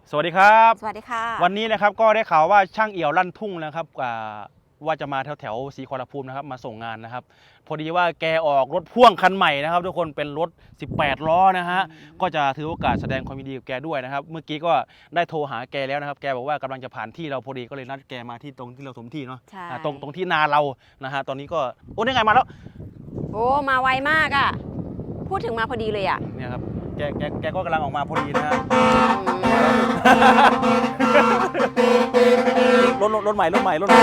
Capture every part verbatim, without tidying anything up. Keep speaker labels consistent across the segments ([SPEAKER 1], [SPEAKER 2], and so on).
[SPEAKER 1] สวัสดีครับ
[SPEAKER 2] สวัสดีค่ะ
[SPEAKER 1] วันนี้นะครับก็ได้ข่าวว่าช่างเอี่ยวลั่นทุ่งนะครับว่าจะมาแถวแถวศรีขอรภูมินะครับมาส่งงานนะครับพอดีว่าแกออกรถพ่วงคันใหม่นะครับทุกคนเป็นรถสิบแปดล้อนะฮะก็จะถือโอกาสแสดงความยินดีกับแกด้วยนะครับเมื่อกี้ก็ได้โทรหาแกแล้วนะครับแกบอกว่ากำลังจะผ่านที่เราพอดีก็เลยนัดแกมาที่ตรงที่เราสมที่เนาะตรงตรงที่นาเรานะฮะตอนนี้ก็โอ้นี่ไงมาแล้ว
[SPEAKER 2] โอ้มาไวมากอ่ะพูดถึงมาพอดีเลยอ่ะ
[SPEAKER 1] เนี่ยครับแกแกแกก็กำลังออกมาพอดีนะฮะรถรถรถใหม่รถใหม่รถใหม่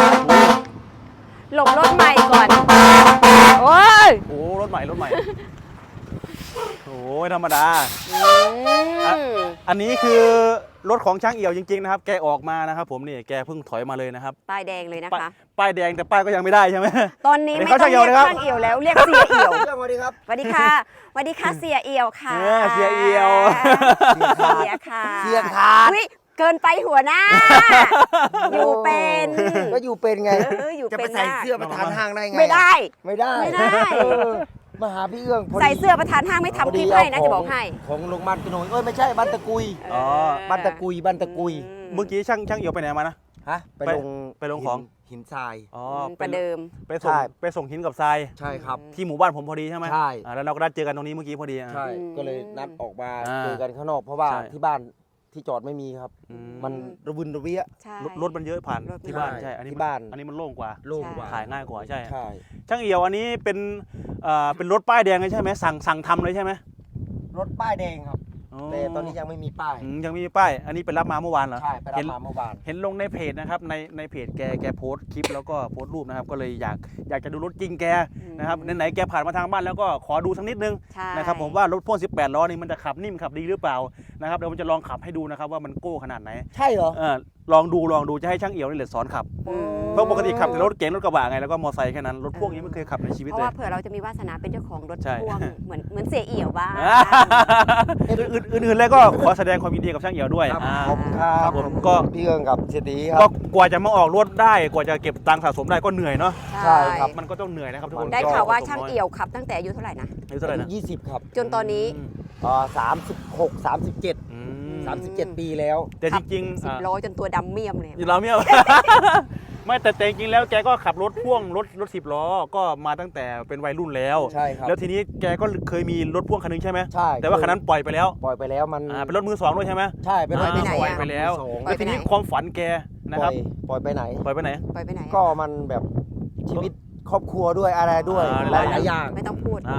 [SPEAKER 2] หลบรถใหม่ก่อนโอ้ย
[SPEAKER 1] โอ้รถใหม่รถใหม่โอ้ยธรรมดาอันนี้คือรถของช่างเอี่ยวจริงๆนะครับแกออกมานะครับผมนี่แกเพิ่งถอยมาเลยนะครับ
[SPEAKER 2] ป้ายแดงเลยนะคะ
[SPEAKER 1] ป้ายแดงแต่ป้ายก็ยังไม่ได้ใช่ไหม
[SPEAKER 2] ตอนนี้ไม่ต้องเรียกช่างเอี่ยวแล้วเรียกเสียเอี่ยว
[SPEAKER 3] สวัสดีครับ
[SPEAKER 2] สวัสดีค่ะสวัสดีค่ะเสียเอี่ยวค่ะ
[SPEAKER 1] เสียเอี่ยว
[SPEAKER 2] เสียค่ะ
[SPEAKER 3] เสียขาด
[SPEAKER 2] เกินไปหัวหน้าอยู่เป็น
[SPEAKER 3] ก็อยู่เป็นไง
[SPEAKER 2] จะ
[SPEAKER 3] ไปใส่เสื้อประธานห้างได้ไง
[SPEAKER 2] ไม่ได้
[SPEAKER 3] ไม่ได้
[SPEAKER 2] ไม่ได้
[SPEAKER 3] มาหาพี่เอื้อง
[SPEAKER 2] ใส่เสื้อประธานห้างไม่ทำคลิปให้นะจะบอกให้
[SPEAKER 3] ของโรงพยาบาลกระโนยเอ้ยไม่ใช่บ้านตะกุย
[SPEAKER 1] อ๋อ
[SPEAKER 3] บ้านตะกุยบ้านตะกุย
[SPEAKER 1] เมื่อกี้ช่างช่างเอี่ยวไปไหนมานะ
[SPEAKER 3] ฮะไปลง
[SPEAKER 1] ไปลงของ
[SPEAKER 3] หินทราย
[SPEAKER 1] อ๋อ
[SPEAKER 2] ประเดิม
[SPEAKER 1] ไปส่งไปส่งหินกับทราย
[SPEAKER 3] ใช่ครับ
[SPEAKER 1] ที่หมู่บ้านผมพอดีใช่ไหม
[SPEAKER 3] ใช่
[SPEAKER 1] แล้วเราก็ได้เจอกันตรงนี้เมื่อกี้พอดี
[SPEAKER 3] ใช่ก็เลยนัดออกมาเจอกันข้างนอกเพราะว่าที่บ้านที่จอดไม่มีครับมันระวินระเวีย
[SPEAKER 1] รถมันเยอะผ่านที่บ้านใช่อันนี้
[SPEAKER 3] บ้าน
[SPEAKER 1] อันนี้มันโล่งกว่า
[SPEAKER 3] โล่งกว่า
[SPEAKER 1] ถ่ายง่ายกว่าใช่
[SPEAKER 3] ใช่
[SPEAKER 1] ช่างเอี่ยวอันนี้เป็นอ่าเป็นรถป้ายแดงเลยใช่ไหมสั่งสั่งทำเลยใช่ไหม
[SPEAKER 3] รถป้ายแดงครับแต่ตอนนี้ยังไม่มีป้าย
[SPEAKER 1] ยังไม่มีป้ายอันนี้ไปรับมาเมื่อวานเหรอ
[SPEAKER 3] ใช่ไปรับมาเมื่อวาน
[SPEAKER 1] เห็นลงในเพจนะครับในในเพจแกแกโพสคลิปแล้วก็โพสรูปนะครับก็เลยอยากอยากจะดูรถจริงแกนะครับไหนๆแกผ่านมาทางบ้านแล้วก็ขอดูสักนิดนึงนะครับผมว่ารถพ่วงสิบแปดล้อนี่มันจะขับนิ่มขับดีหรือเปล่านะครับเดี๋ยวผมจะลองขับให้ดูนะครับว่ามันโก้ขนาดไหน
[SPEAKER 3] ใช่เหรอ
[SPEAKER 1] ลองดูลองดูจะให้ช่างเอี่ยวนี่แหละสอนขับเพราะปกติขับแต่รถเก๋งรถกระบะไงแล้วก็มอเตอร์ไซค์แค่นั้นรถพ่วงนี้ไม่เคยขับในชีวิตเลย
[SPEAKER 2] เพราะว่าเผื่อเราจะมีวาสนาเป็นเจ้าของรถพ่วงเหมือนเหมือนเสียเอี่ยวบ้าง
[SPEAKER 1] อื่นๆเลยก็ขอแสดงความยินดีกับช่างเอี่ยวด้วย
[SPEAKER 3] ขอบคุณครับ
[SPEAKER 1] ผมก็
[SPEAKER 3] พี่เอิงกับเศรษฐีครับ
[SPEAKER 1] ก็กว่าจะมาออกรถได้กว่าจะเก็บตังค์สะสมได้ก็เหนื่อยเนาะ
[SPEAKER 3] ใช่ครับ
[SPEAKER 1] มันก็ต้องเหนื่อยนะครับทุกคน
[SPEAKER 2] ได้ข่าวว่าช่างเอี่ยวขับตั้งแต่อายุเท่าไหร่นะ
[SPEAKER 1] อายุเท่าไหร่นะ
[SPEAKER 3] ยี่สิบครับ
[SPEAKER 2] จนตอนนี้
[SPEAKER 3] อ่าสามสิบหกสามสิบเจ็ดสามสิบเจ็ดปีแล้ว
[SPEAKER 1] แต่จริง
[SPEAKER 2] ๆสิบล้อจนตัวดำเมี่ยมเลย
[SPEAKER 1] เราเมี่ยมไม่แต่จริงๆแล้วแกก็ขับรถพ่วงรถรถสิบล้อก็มาตั้งแต่เป็นวัยรุ่นแล้ว
[SPEAKER 3] ใช่ครับ
[SPEAKER 1] แล้วทีนี้แกก็เคยมีรถพ่วงคันนึงใช่ไหม
[SPEAKER 3] ใช่
[SPEAKER 1] แต่ว่าคันนั้นปล่อยไปแล้ว
[SPEAKER 3] ปล่อยไปแล้วมัน
[SPEAKER 1] เป็นรถมือสองด้วยใช่ไหม
[SPEAKER 3] ใช่เป็นรถมือสอง
[SPEAKER 1] ปล่อยไปแล้วแล้วทีนี้ความฝันแกนะครับ
[SPEAKER 3] ปล่อยไปไหน
[SPEAKER 1] ปล่อยไปไหน
[SPEAKER 2] ปล่อยไปไหน
[SPEAKER 3] ก็มันแบบชีวิตครอบครัวด้วยอะไรด้วยหลายอย่าง
[SPEAKER 2] ไม่ต้องพูด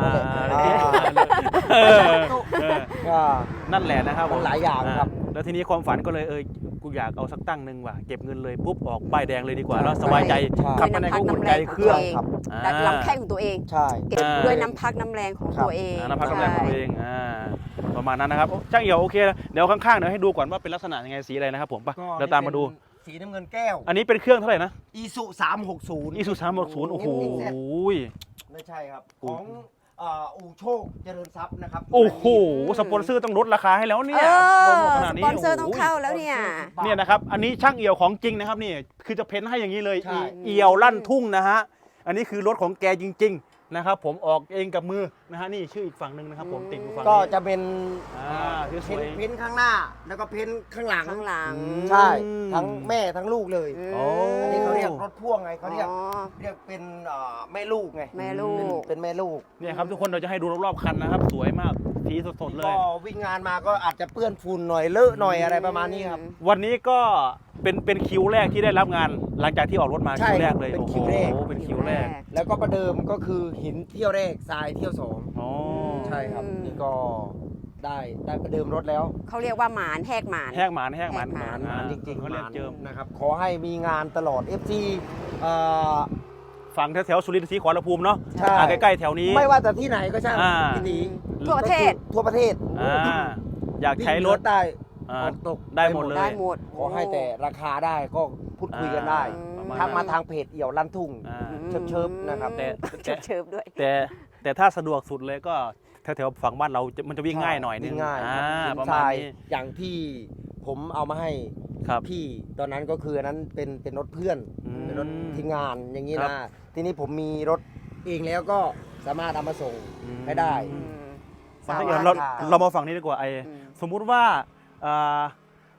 [SPEAKER 1] นั่นแหละนะครับ
[SPEAKER 3] หลายอย่างครับ
[SPEAKER 1] แล้วทีนี้ความฝันก็เลยเออกูอยากเอาสักตั้งหนึ่งว่ะเก็บเงินเลยปุ๊บออกป้ายแดงเลยดีกว่าแล้วสบายใจขับไปไหนก็อุ่นใจเครื่อง
[SPEAKER 2] ลำแข้งของตัวเอง
[SPEAKER 3] ใช่
[SPEAKER 2] เก็บด้วยน้ำพักน้ำแรงของตัวเอง
[SPEAKER 1] น้ำพักน้ำแรงของตัวเองประมาณนั้นนะครับช่างเอี่ยวโอเคเดี๋ยวข้างๆเดี๋ยวให้ดูก่อนว่าเป็นลักษณะยังไงสีอะไรนะครับผมป่ะเดี๋ยวตามมาดู
[SPEAKER 3] สีน้ำเงินแก้ว
[SPEAKER 1] อันนี้เป็นเครื่องเท่าไหร่นะ
[SPEAKER 3] อีซูสามหกศูนย์
[SPEAKER 1] อีซูสามหกศูนย์โอ้โห
[SPEAKER 3] ไม่ใช่ครับของอู่โชคเจริญทรัพย์นะครับ
[SPEAKER 1] โอ้โหสปอนเซอร์ต้องลดราคาให้แล้วเนี่ย
[SPEAKER 2] สปอนเซอร์ต้องเข้าแล้วเนี่ย
[SPEAKER 1] เนี่ยนะครับอันนี้ช่างเอี่ยวของจริงนะครับนี่คือจะเพ้นให้อย่างนี้เลยเอี่ยวลั่นทุ่งนะฮะอันนี้คือรถของแกจริงๆนะครับผมออกเองกับมือนะฮะนี่ชื่ออีกฝั่งหนึ่งนะครับผมติดอยู่ฝั่งนี้
[SPEAKER 3] ก็จะเป็น
[SPEAKER 1] เ
[SPEAKER 3] พ้นข้างหน้าแล้วก็เพ้นข้างหลัง
[SPEAKER 2] ข้างหลัง
[SPEAKER 3] ใช่ทั้งแม่ทั้งลูกเลยอันนี้เขาเรียกรถพ่วงไงเขาเรียกเรียกเป็นแม่ลูกไง
[SPEAKER 2] แม่ลูก
[SPEAKER 3] เป็นแม่ลูก
[SPEAKER 1] เนี่ยครับทุกคนเราจะให้ดูรอบๆคันนะครับสวยมากสีสดๆเลย
[SPEAKER 3] ก็วิ่งงานมาก็อาจจะเปื้อนฝุ่นหน่อยเลอะหน่อยอะไรประมาณนี้ครับ
[SPEAKER 1] วันนี้ก็เป็นเป็นคิวแรกที่ได้รับงานหลังจากที่ออกรถมาคิวแรกเลย
[SPEAKER 3] เป็นคิวแรก
[SPEAKER 1] เป็นคิวแรก
[SPEAKER 3] แล้วก็ประเดิมก็คือหินเที่ยวแรกทรายเที่ยวสองอ๋อใช่ครับนี่ก็ได้ได้ประเดิมรถแล้ว
[SPEAKER 2] เขาเรียกว่าหมานแหกหมาน
[SPEAKER 1] แหกหมานแหกหมาน
[SPEAKER 3] หมานหมานจริงๆ
[SPEAKER 1] เขาเรียกเจิม
[SPEAKER 3] นะครับขอให้มีงานตลอด เอฟ ซี เอ่อ
[SPEAKER 1] ฝั่งแถวๆสุรินทร์ศรีขอรภูมิเนาะใกล้ๆแถวนี้
[SPEAKER 3] ไม่ว่าแต่ที่ไหนก็ช่างที่นี้
[SPEAKER 2] ทั่วประเทศ
[SPEAKER 3] ทั่วประเทศ
[SPEAKER 1] อยากใช้รถ
[SPEAKER 3] ได้ตก
[SPEAKER 1] ได้หมดเลย
[SPEAKER 2] ได้หมด
[SPEAKER 3] ขอให้แต่ราคาได้ก็พูดคุยกันได้ทักมาทางเพจเอี่ยวลั่นทุ่งเชิบๆนะครับ
[SPEAKER 1] แต่
[SPEAKER 2] เชิบด้วย
[SPEAKER 1] แต่แต่ถ้าสะดวกสุดเลยก็แถวๆฝั่งบ้านเรามันจะวิ่งง่ายหน่อยนึง
[SPEAKER 3] ง่าย
[SPEAKER 1] ประมาณนี้
[SPEAKER 3] อย่างที่ผมเอามาให้พี่ตอนนั้นก็คืออันนั้นเป็นเป็นรถเพื่อนเป็นรถทีมงานอย่างนี้นะทีนี้ผมมีรถเองแล้วก็สามารถเอามาส่งให้ได้
[SPEAKER 1] เราเรามาฝั่งนี้ดีกว่าไอ้สมมุติว่า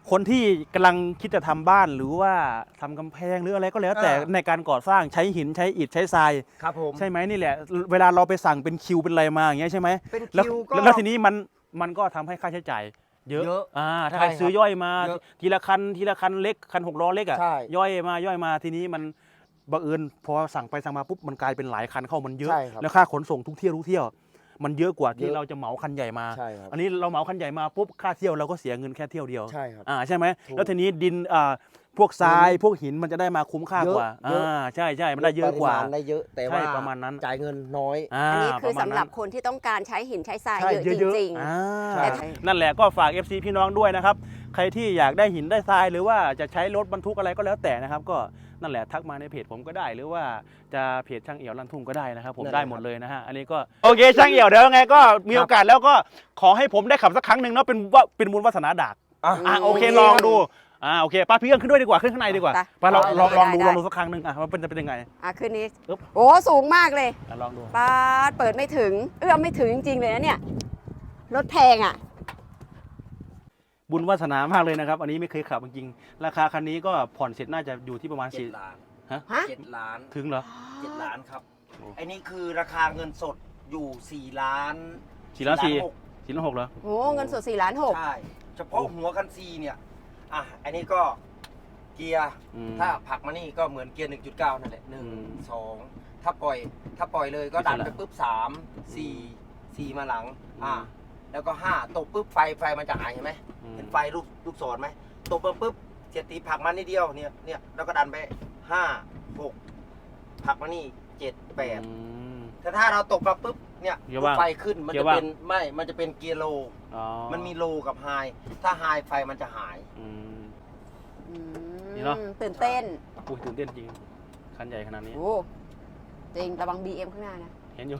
[SPEAKER 1] คนที่กำลังคิดจะทำบ้านหรือว่าทำกำแพงหรืออะไรก็แล้ว แต่
[SPEAKER 3] อ่า
[SPEAKER 1] ในการก่อสร้างใช้หินใช้อิฐใช้ทราย
[SPEAKER 3] ครับผม
[SPEAKER 1] ใช่ไหมนี่แหละ เวลาเราไปสั่งเป็นคิวเป็นอะไรมาอย่างเงี้ยใช่ไหม
[SPEAKER 3] เป็น
[SPEAKER 1] แล้ว
[SPEAKER 3] คิวก็
[SPEAKER 1] แล้วทีนี้มันมันก็ทำให้ค่าใช้จ่ายเยอะ
[SPEAKER 3] เยอะ
[SPEAKER 1] อ่าถ้า
[SPEAKER 3] ใช่
[SPEAKER 1] ใครซื้อย่อยมา
[SPEAKER 3] เยอะ
[SPEAKER 1] ทีละคันทีละคันเล็กคันหกล้อเล็กอ่ะ
[SPEAKER 3] ใช่
[SPEAKER 1] ย่อยมาย่อยมาทีนี้มันบังเอิญพอสั่งไปสั่งมาปุ๊บมันกลายเป็นหลายคันเข้ามันเยอะ
[SPEAKER 3] ใช่ครับ
[SPEAKER 1] แล้วค่าขนส่งทุกเที่ยวทุกเที่ยว มันเยอะกว่าที่
[SPEAKER 3] เยอะ
[SPEAKER 1] เราจะเหมาคันใหญ่มา
[SPEAKER 3] ใช่ครับ
[SPEAKER 1] อันนี้เราเหมาคันใหญ่มาปุ๊บค่าเที่ยวเราก็เสียเงินแค่เที่ยวเดียว
[SPEAKER 3] ใช่ครับ
[SPEAKER 1] อ่าใช่ไหม
[SPEAKER 3] ถูก
[SPEAKER 1] แล้วทีนี้ดินอ่าพวกทราย
[SPEAKER 3] หิน
[SPEAKER 1] พวกหินมันจะได้มาคุ้มค่ากว่า
[SPEAKER 3] เยอะ
[SPEAKER 1] อ่าใช่ใช่มันได้เยอะกว่า
[SPEAKER 3] ปริมณได้เยอะแต่
[SPEAKER 1] ใช่
[SPEAKER 3] ว่า
[SPEAKER 1] ประมาณนั้น
[SPEAKER 3] จ่ายเงินน้อย
[SPEAKER 1] อ่า
[SPEAKER 2] อันนี้คือ
[SPEAKER 1] ประมาณ
[SPEAKER 2] สำหรับคนที่ต้องการใช้หินใช้ทราย
[SPEAKER 1] ใช่
[SPEAKER 2] เยอะจ
[SPEAKER 1] เยอะ
[SPEAKER 2] ริง
[SPEAKER 1] ๆอ่า
[SPEAKER 3] ใช่
[SPEAKER 1] นั่นแหละก็ฝาก เอฟ ซี พี่น้องด้วยนะครับ ใครที่อยากได้หินได้ทรายหรือว่าจะใช้รถบรรทุกอะไรก็แล้วแต่นะครับ ก็นั่นแหละทักมาในเพจผมก็ได้ หรือว่าจะเพจช่างเอี่ยวลั่นทุ่งก็ได้นะครับ ผม
[SPEAKER 3] นั่นแหละ
[SPEAKER 1] ได้หมดเลยนะฮะอันนี้ก็โอเคช่างเอี่ยวเดี๋ยวยังไงก็มีโอกาสแล้วก็ขอให้ผมได้ขับสักครั้งหนึ่งเนาะเป็นว่าเป็นบุญวาสนาดาก
[SPEAKER 3] อ่ะ
[SPEAKER 1] อ่ะโอเคลองดูอ่าโอเคป้าพี่เอิญขึ้นด้วยดีกว่าขึ้นข้างในดีกว่า
[SPEAKER 2] ไป
[SPEAKER 1] ไปลองลองลองดู
[SPEAKER 2] ได้
[SPEAKER 1] ลองดูสักครั้งหนึ่งอ่ะว่าเป็นจะเป็นยังไง
[SPEAKER 2] ๆอ่ะคืนนี้
[SPEAKER 1] อึ๊บ
[SPEAKER 2] โอ้สูงมากเลย
[SPEAKER 1] อ่ะลองดู
[SPEAKER 2] ป้าดเปิดไม่ถึง เอื้อมไม่ถึงจริงๆเลยนะเนี่ย รถแพงอ่ะ
[SPEAKER 1] บุญวาสนามากเลยนะครับ อันนี้ไม่เคยขับจริงๆราคาคันนี้ก็ผ่อนเสร็จน่าจะอยู่ที่ประมาณ
[SPEAKER 3] เจ็
[SPEAKER 1] สี่
[SPEAKER 3] ดล้าน
[SPEAKER 1] ฮะ
[SPEAKER 2] ฮะ
[SPEAKER 3] เจ็ดล้าน
[SPEAKER 1] ถึงเหรอ
[SPEAKER 3] เจ็ดล้านครับ
[SPEAKER 1] โอ้
[SPEAKER 3] ไอ้นี่คือราคาเงินสดอยู่สี่ล้าน
[SPEAKER 1] สี่ล้านสี่
[SPEAKER 3] หก
[SPEAKER 1] สี่ล้านหกเหรอ
[SPEAKER 2] โอ้เงินสดสี่ล้านหก
[SPEAKER 3] ใช่ เฉพาะหัวคันซีเนี่ย อ่ะ อันนี้ก็เกียร์
[SPEAKER 1] อืม
[SPEAKER 3] ถ้าผลักมานี่ก็เหมือนเกียร์ หนึ่งจุดเก้า นั่นแหละหนึ่ง
[SPEAKER 1] อืม
[SPEAKER 3] สองถ้าปล่อย ถ้าปล่อยเลยก็ดัน
[SPEAKER 1] อิสระ
[SPEAKER 3] ไปปุ๊บสามสี่สี่มาหลัง อ่ะ
[SPEAKER 1] อืม
[SPEAKER 3] แล้วก็ห้าตกปุ๊บไฟไฟมันจะหายเห็นไหม
[SPEAKER 1] อืม
[SPEAKER 3] เห็นไฟลูกลูกศรไหมตกปุ๊บปุ๊บเสียตีผลักมานิดเดียวเนี่ยเนี่ยแล้วก็ดันไปห้าหกผลักมานี่เจ็ดแปด
[SPEAKER 1] อืม
[SPEAKER 3] แต่ถ้าเราตกมาปุ๊บเนี่ย
[SPEAKER 1] เกียร์ว่าง
[SPEAKER 3] ไฟขึ้นมัน
[SPEAKER 1] เกีย
[SPEAKER 3] จะ
[SPEAKER 1] ร์ว่าง
[SPEAKER 3] เป็นไม่มันจะเป็นเกียร์โล
[SPEAKER 1] อ๋อ
[SPEAKER 3] มันมีโลกับไฮถ้าไฮไฟมันจะหาย
[SPEAKER 1] อืม
[SPEAKER 2] อืม
[SPEAKER 1] นี่เนอะ
[SPEAKER 2] ตื่นเต้น
[SPEAKER 1] อุ้ยตื่นเต้นจริง คันใหญ่ขนาดนี้
[SPEAKER 2] โอ้จริงระวัง บี เอ็ม ข้างหน้านะ
[SPEAKER 1] เห็นอยู่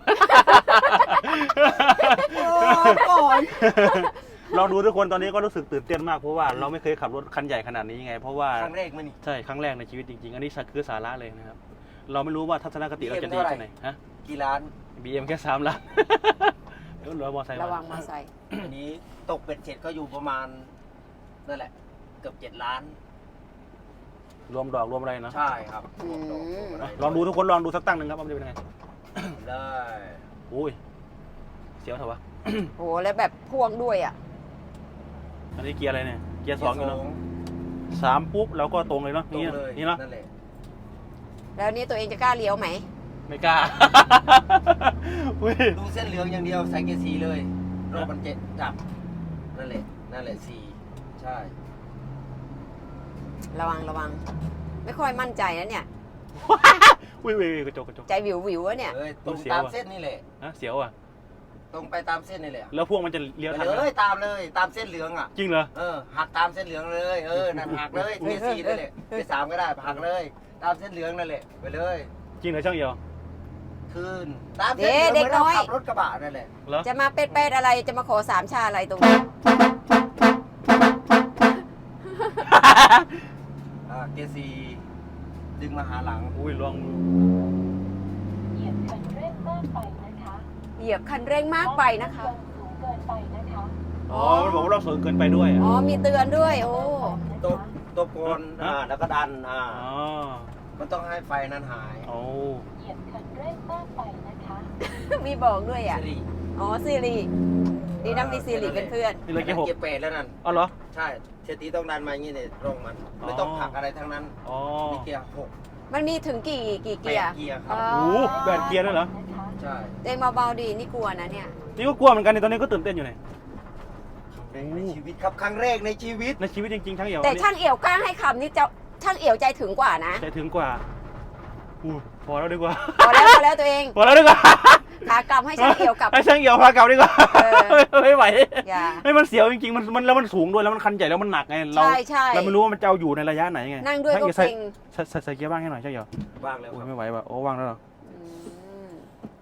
[SPEAKER 3] ก่อน
[SPEAKER 1] ลองดูทุกคนตอนนี้ก็รู้สึกตื่นเต้นมากเพราะว่าเราไม่เคยขับรถคันใหญ่ขนาดนี้ไง เพราะว่า
[SPEAKER 3] ครั้งแรกมั้ยนี่
[SPEAKER 1] ใช่ครั้งแรกในชีวิตจริงๆ อันนี้คือสาระเลยนะครับ เราไม่รู้ว่าทัศนคติเราจะดี
[SPEAKER 3] บี เอ็ม
[SPEAKER 1] แค่ไหนฮะ
[SPEAKER 3] กี่ล้าน
[SPEAKER 1] บีเอ็มแค่สามล้าน เดี๋ยวเหลือมอไซค์
[SPEAKER 2] ระวัง
[SPEAKER 1] มา
[SPEAKER 2] มาใส่
[SPEAKER 3] อันนี้ตกเป็ดเสร็จก็อยู่ประมาณนั่นแหละ เกือบเจ็ดล้าน
[SPEAKER 1] รวมดอกรวมอะไรนะ
[SPEAKER 3] ใช่ครับ
[SPEAKER 2] อืม
[SPEAKER 3] รวมดอกรวมอะไร
[SPEAKER 1] ลองดูทุกคนลองดูสักตั้งหนึ่งครับว่ามันจะเป็นยังไง
[SPEAKER 3] เลย
[SPEAKER 1] อุ้ยเสียวเถอะวะ
[SPEAKER 2] โอ้แล้วแบบพ่วงด้วยอ่ะ
[SPEAKER 1] อันนี้เกียร์อะไรเนี่ย เกียร์สองอยู่เนาะสามปุ๊บเราก็ตรงเลยเนาะ
[SPEAKER 3] ตรง
[SPEAKER 1] นี่
[SPEAKER 3] เลย
[SPEAKER 1] นี่เนาะ
[SPEAKER 3] นั่นแหละ
[SPEAKER 2] แล้วนี่ตัวเองจะกล้าเลี้ยวไหม
[SPEAKER 1] ไม่กล้า อุ้ย
[SPEAKER 3] ดูเส้นเหลืองอย่างเดียวใส่เกียร์สีเลยรถมันเจ็ดจับนั่นแหละนั่นแหละสีใช่
[SPEAKER 2] ระวังระวัง ไม่ค่อยมั่นใจนะเนี่ย
[SPEAKER 1] อุ้ยอุ้ยอุ้ยกระจกกระจก
[SPEAKER 2] ใจวิววิวๆอะเนี่ย
[SPEAKER 3] เอ้ยตรง
[SPEAKER 1] เสียว
[SPEAKER 3] ตาม
[SPEAKER 1] อะ
[SPEAKER 3] เส้นนี่แหละ
[SPEAKER 1] ฮะเสียวอ่ะ
[SPEAKER 3] ตรงไปตามเส้นนี่แหละ
[SPEAKER 1] แล้วพวกมันจะเลี้ยว
[SPEAKER 3] ไป
[SPEAKER 1] ทันไหม
[SPEAKER 3] เลยตามเลยตามเส้นเหลืองอ่ะ
[SPEAKER 1] จริงเหรอ
[SPEAKER 3] เออหักตามเส้นเหลืองเลยเออนั่นหักเลยเกียร์สี่นั่นแหละเกียร์สามก็ได้หักเลย ตามเส้นเหลืองนั่นแหละไปเลย
[SPEAKER 1] จริงเหรอช่างเอียว
[SPEAKER 3] คืนตามเส้นเหลือง
[SPEAKER 2] เด็ก
[SPEAKER 3] ไม่ต้อง
[SPEAKER 2] น้อย
[SPEAKER 3] ขับรถกระบะนั่นแหละ
[SPEAKER 1] เหรอ
[SPEAKER 2] จะมาเป็ดๆอะไรจะมาขอสามชาอะไรตรงนี้
[SPEAKER 3] อ่าเกียร์สี่ดึงมาหาหลัง
[SPEAKER 1] อุ้ยลอง
[SPEAKER 4] เหยียบคันเร่งมากไปนะคะ
[SPEAKER 2] เหยียบคันเร่งมากไปนะคะ
[SPEAKER 4] สูงเกินไปนะคะ
[SPEAKER 1] อ๋อมันบอกว่าเราสูงเกินไปด้วย
[SPEAKER 2] อ๋
[SPEAKER 1] อ่ะ
[SPEAKER 2] อมีเตือนด้วย โอ้
[SPEAKER 3] ตบตบก่อนอ่าแล้วก็ดันอ่า
[SPEAKER 1] อ๋อ
[SPEAKER 3] มันต้องให้ไฟนั้นหาย
[SPEAKER 1] โอ้
[SPEAKER 4] เหยียบคันเร่งมากไปนะคะ
[SPEAKER 2] มีบอกด้วยอ่ะ
[SPEAKER 3] สิริ
[SPEAKER 2] อ๋อซีรีดีนะมีซีรีเป็นเพื่อน
[SPEAKER 1] นี่เลยเกียร์หก
[SPEAKER 3] เกียร์แปดแล้วนั่น
[SPEAKER 1] อ๋อเหรอ
[SPEAKER 3] ใช่เชตีต้องดันมาอย่างนี้เนี่ยตรงมัน
[SPEAKER 1] อ๋อ
[SPEAKER 3] ไม่ต้องผลักอะไรทั้งนั้น
[SPEAKER 1] อ๋อ
[SPEAKER 3] มีเกียร์หก
[SPEAKER 2] มันมีถึงกี่กี่
[SPEAKER 3] แป
[SPEAKER 2] เกีย
[SPEAKER 3] ด
[SPEAKER 2] ร์
[SPEAKER 3] เกียร์ครับ
[SPEAKER 2] อ๋อ
[SPEAKER 1] โอ้โหแบนเกียร์ด้วยเหรอ
[SPEAKER 4] นะคะ
[SPEAKER 3] ใช่
[SPEAKER 2] เองเบาๆดีนี่กลัวนะเนี่ย
[SPEAKER 1] นี่ก็กลัวเหมือนกันในตอนนี้ก็ตื่นเต้นอยู่เนี่ย
[SPEAKER 3] ในชีวิตครับครั้งแรกในชีวิต
[SPEAKER 1] ในชีวิตจริงๆทั้งเอี่ยว
[SPEAKER 2] แต่
[SPEAKER 1] อันนี้
[SPEAKER 2] ช่างเอี่ยวกล้าให้คำนี่จะช่างเอี่ยวใจถึงกว่านะ
[SPEAKER 1] ใจถึงกว่าอู้พอแล้วดีกว่า
[SPEAKER 2] พอแล้วพอแล้วตัวเอง
[SPEAKER 1] พอแล้วดีกว่า
[SPEAKER 2] ขากลับให้ช่างเอี่ยวกลับ
[SPEAKER 1] ให้ช่างเอี่ยวพากลับดีกว่า
[SPEAKER 2] เออ
[SPEAKER 1] ไม่ไหว
[SPEAKER 2] อย่า
[SPEAKER 1] ให้มันเสียวจริงๆมันมันแล้วมันสูงด้วยแล้วมันคันใหญ่แล้วมันหนักไงเรา
[SPEAKER 2] ใช่ใช่
[SPEAKER 1] เราไม่รู้ว่ามันจะเอาอยู่ในระยะไหนไง
[SPEAKER 2] นั่งด้วยก็
[SPEAKER 1] ช่า
[SPEAKER 2] เก
[SPEAKER 1] เอี่
[SPEAKER 2] รง
[SPEAKER 1] ใส่ใส่ใส่เกียร์บ้างให้หน่อยช่างเอี่ยว
[SPEAKER 3] ว่างแล้ว
[SPEAKER 1] โอ้
[SPEAKER 3] ค
[SPEAKER 1] ย
[SPEAKER 3] รับ
[SPEAKER 1] ไม่ไหวว่ะโอ้ว่างแล้วเหรอ
[SPEAKER 2] อืม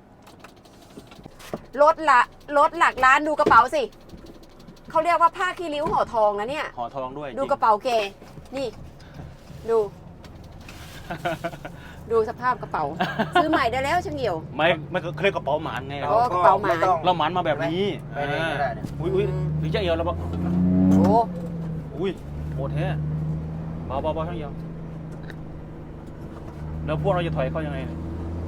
[SPEAKER 2] รถละรถหลักล้านดูกระเป๋าสิเขาเรียกว่าผ้าคีริ้วห่อทองนะเนี่ย
[SPEAKER 1] ห่อทองด้วย
[SPEAKER 2] ดู
[SPEAKER 1] จริง
[SPEAKER 2] กระเป๋าแกนี่ ดู ดูสภาพกระเป๋า ซื้อใหม่ได้แล้วช่างเหี่ยว
[SPEAKER 1] ไม่ไม่เคยกระเป๋าหมานไง
[SPEAKER 2] โอ้กระเป๋าหมา
[SPEAKER 3] ไต้อง
[SPEAKER 1] เราหมานมาแบบนี้
[SPEAKER 3] ไปไหนก็ได้เนี่ย
[SPEAKER 1] อุ้ยอุ้ยหรือช่างเอี่ยวเราบอก
[SPEAKER 2] โอ้
[SPEAKER 1] อุ้ยโหดแท้เบาเบาเบาช่างเอียวแล้วพวกเราจะถอยเข้ายังไงเนี่ย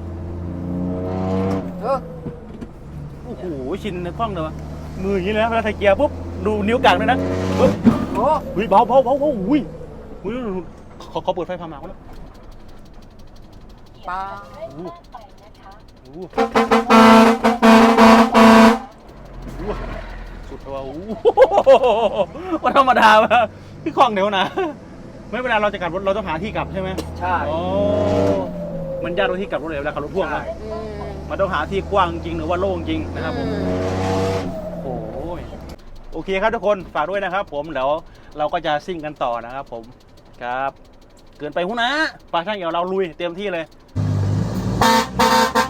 [SPEAKER 2] เออ
[SPEAKER 1] โอ้โหชินในคล่องเลยวะมืออย่างนี้เลยนะเวลาไทยเกียร์ปุ๊บดูนิ้วกลางด้วยนะเฮ้ย
[SPEAKER 2] โอ้
[SPEAKER 1] เฮ้ยเบาเบาเบาเบาอุ้ยอุ้ยเขาเขาเปิดไฟพามาแล้ว
[SPEAKER 2] ปลา
[SPEAKER 4] เร่งมากไปนะคะ
[SPEAKER 1] โอ้โหสุดว่าโอ้โหว่าธรรมดาวะพี่คล่องเดี๋ยวนะไม่เวลาเราจะกลับรถเราต้องหาที่กลับใช่ไหม
[SPEAKER 3] ใช่
[SPEAKER 1] โอ้มันยากตรงที่กลับรถเลยเวลาขับรถพ่วงนะ
[SPEAKER 2] อืม
[SPEAKER 1] มันต้องหาที่กว้างจริงหรือว่าโล่งจริงนะครับผม โอ้ยโอเคครับทุกคนฝากด้วยนะครับ ผมเดี๋ยวเราก็จะซิ่งกันต่อนะครับ ผมครับ เกินไปหุ้นนะปลาช่างเหี่ยวเราลุยเต็มที่เลย